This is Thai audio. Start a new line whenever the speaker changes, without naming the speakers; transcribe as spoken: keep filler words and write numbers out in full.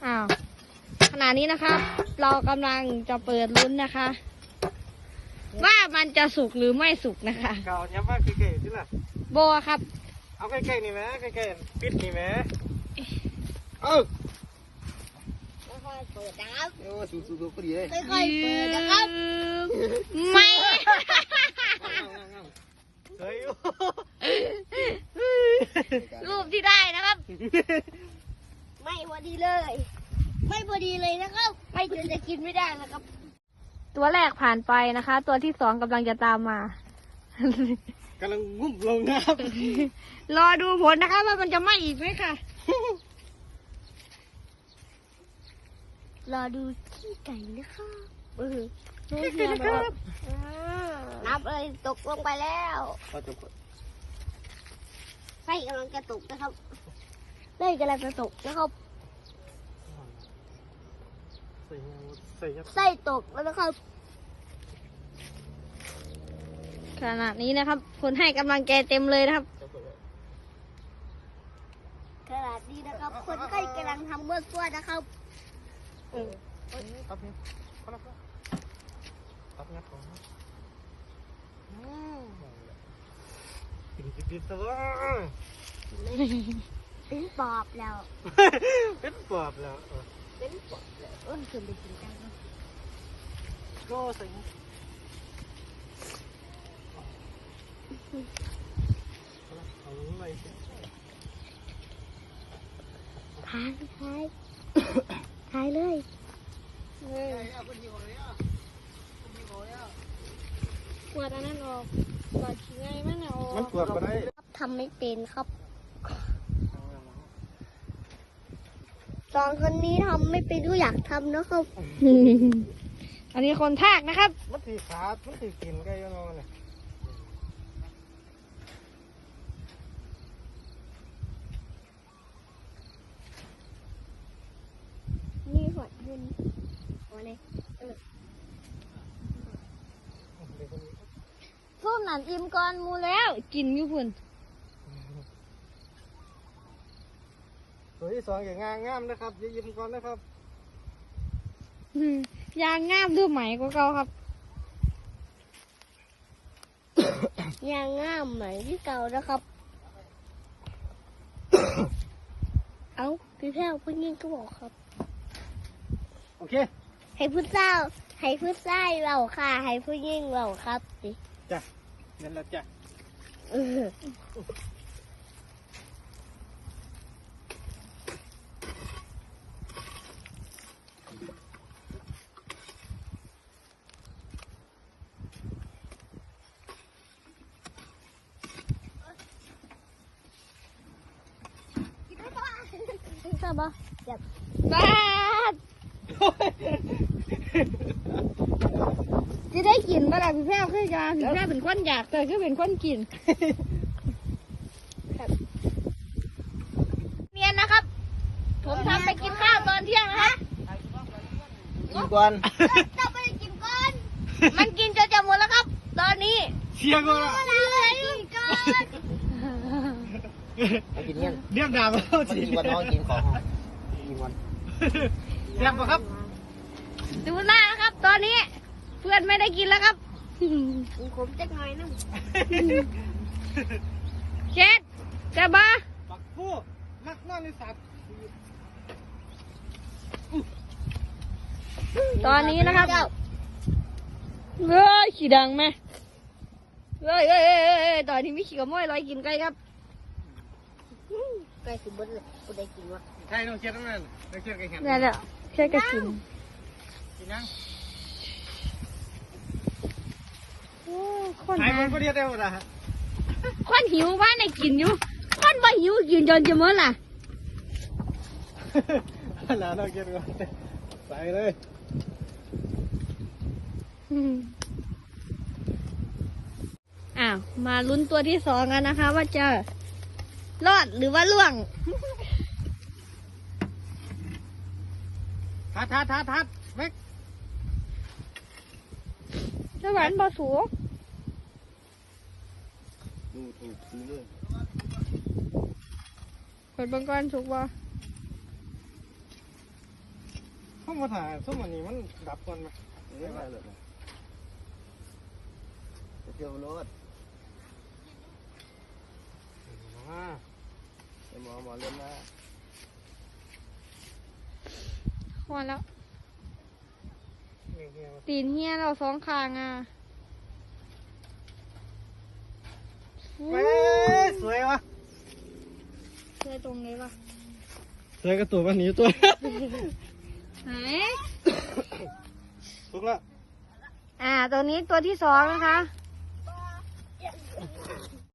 อ้าวขณะนี้นะครับ เรากำลังจะเปิดลุ้นนะคะ ว่ามันจะสุกหรือไม่สุกนะคะ
เก่าย้ำว่าใกล้ๆที่ล่ะ
โบครับ
เอาใกล้ๆนี่ไหมใกล้ๆปิดนี่ไหมเออ
ค่อยๆเปิดนะครับ
โอ้สูๆๆพอดีเลย
ค่อยๆเปิดนะครับ
ไม่
เฮ้ย
รูปที่ได้นะครับ
ไม่พอดีเลย ไม่พอดีเลยนะครับไม่เดี๋ยวจะกินไม่ได้นะครับ
ตัวแรกผ่านไปนะคะ ตัวที่สองกำลังจะตามมา
กำลังงุ่มลงนะครับ
รอดูผลนะคะว่ามันจะไหม้อีกไหมค่ะ
รอดูขี้ไก่นะครับ
เออรู้เพียงนะครับ
นับเลยตกลงไปแล้ว
เอาจบก่อน
ไส้กำลังจะตกนะครับไส้กำลังจะตกนะครับ
ใส่ยังใส่ยัง
ไส้ตกแล้วนะครับ
ขณะนี้นะครับ คนให้กำลังใจเต็มเลยนะครับ
ขนาดนี้นะครับ คนไข้กำลังทำเมื่อตัวนะครับ
ตับนี่พอแล้วตับงัดของปิดปิดตัว
เป็นปอบแล้ว
เป็นปอบแล้ว
เป็นปอบแล้วเออคือไปกินกันเนอะ
ก็ใส่เอาอะไรสิ
ทายทายทายเลย
ปวดอันนั้นออกปวดขี้ไงมันออก
มันปวดมาได้
ทำไม่เป็นครับสองคนนี้ทำไม่เป็นก็อยากทำนะครับ
อันนี้คนทากนะครับ
มันถือขาดมันถือกินไก่ยังไงเนี่ย
นี่หัวยืนหัวเนี่ยเออ
ส้มหนานอิ่มก่อนหมูแล้วกินอยู่พุ่น
ตัวที่สองอย่างงามงามนะครับอย่ายิ้มก่อนนะครับ
อืมยางงามดูไหมกว่าเก่าครับ
ยางง่ามเหมือนที่เก่านะครับ เอ้าพี่แพ้วพี่ยิ่งก็บอกครับ
โอเค
ให้ผู้เศร้าให้ผู้ชายเราค่ะ ให้ผู้ยิ่งเราครับสิ
จ้ะนั่นแหละจ้ะ
เออทราบปะอยาก
บ้าดจะได้กินเมื่อไหร่พี่แพ้วคือกันพี่แพ้วเป็นคนอยากแต่คือเป็นคนกินเนียนนะครับ ผมทำไปกินข้าวตอนเที่ยงนะครับ
กินก่อน
ต้องไปกินก่อน
มันกินจนจะหมดแล้วครับ ตอนนี้
เชียร์ก่อนละ
เราไปกินก่อน
เอากินเงี้ย
เรียบดาบแล้ว
มัน
สิ
กินวันน้องกินของกินวัน
เรียบปะครับ
ดูหน้านะครับ ตอนนี้ เพื่อนไม่ได้กินแล้วครับ
ผมจะหน่อยนึง
เช็ดจะบ้า
ปักผู้มักนอนในสัตว์
ตอนนี้นะครับเฮ้ยขี่ดังไหมเฮ้ยเฮ้ยเฮ้ยเฮ้ยตอนนี้มีขี่กระม้อยลอยกินไก่ครับ
ไก่สิบเบิ้ลเลยกูได้กินวะ
ใช่น้องเชียร์ทั้งนั้นน้องเชียร์ไก่แข็ง
นี่นแหละเช็ดก็กิน
กินยัง
โอ้คน
หาย
นะ
คนก็เรียกได้หมดอะฮะ
คนหิวบ้านไหนกินอยู่ คนบ่หิวกินจนจะหมดล่ะ
หลานน้องเชียร์ก่อนใส่เลย
อ้าว มาลุ้นตัวที่สองกันนะคะ ว่าจะรอดหรือว่าล่วง
ทัดทัดทัดทัดเม็ก
สวรรค์บ่สูง
ดูถูกซื้อเลย
เปิดบังกรสุกบ่
เข้ามาถ่ายส้มอันนี้มันดับก่อนไหม
เล่นอะไรเลยไปเที่ยวรถ
อ่า
ไปหมอหมอเล่นนะ
พอแล้ว
นี่เฮีย
ตีนเฮียเราสองข้างอ่ะ
เว้ยสวยวะ
เคยตรงนี้ปะ
สวยกระตัววันนี้ตัว
ไหน
ทุกละ
อ่า ตัวนี้ตัวที่สองนะคะ